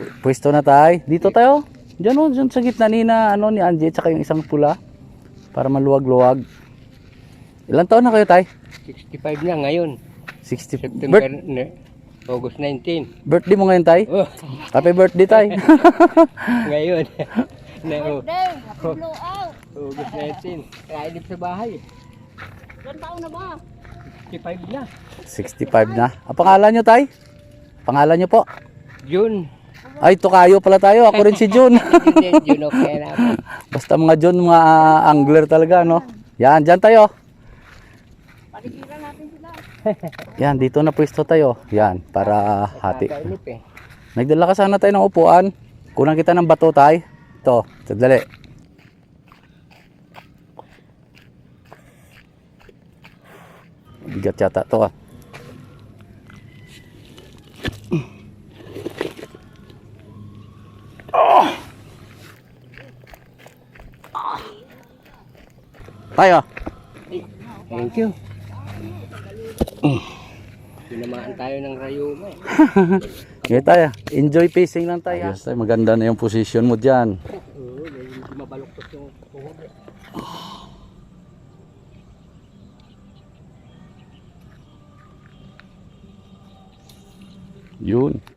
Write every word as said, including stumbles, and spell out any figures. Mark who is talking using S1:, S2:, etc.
S1: Pwesto na tayo. Dito tayo. Diyan o, dyan sa gitna ni na, ano, ni Angie, tsaka yung isang pula. Para maluwag-luwag. Ilang taon na kayo, tay?
S2: sixty-five na ngayon.
S1: sixty.
S2: September,
S1: Birth,
S2: ne, August nineteen.
S1: birthday mo ngayon, tay?
S2: Oh,
S1: Happy birthday, tay.
S2: ngayon. na, oh,
S3: Birthday, happy blow out.
S2: August nineteen. Kainip sa bahay.
S3: Ilan taon na ba?
S2: sixty-five na.
S1: sixty-five na. Ang pangalan nyo, tay? Pangalan nyo po?
S2: June.
S1: Ay, tukayo pala tayo. Ako rin si Jun.
S2: Hindi, June okay na ako.
S1: Basta mga Jun, mga ah, angler talaga, no? Yan, dyan tayo.
S3: Paligiran natin sila.
S1: Yan, dito na pwesto tayo. Yan, para hati.
S2: Kainip eh.
S1: Nagdala ka sana tayo ng upuan. Kunan kita ng bato, tay. Ito, sadali. Bigat yata to, ah. Tayo.
S2: Thank you. Tinamaan tayo ng rayuma eh.
S1: Ngayon tayo. Enjoy fishing lang tayo. Ayos tayo. Maganda na yung position mo dyan.
S2: Oo, medyo mabaluktot yung tuhod eh.
S1: Yun.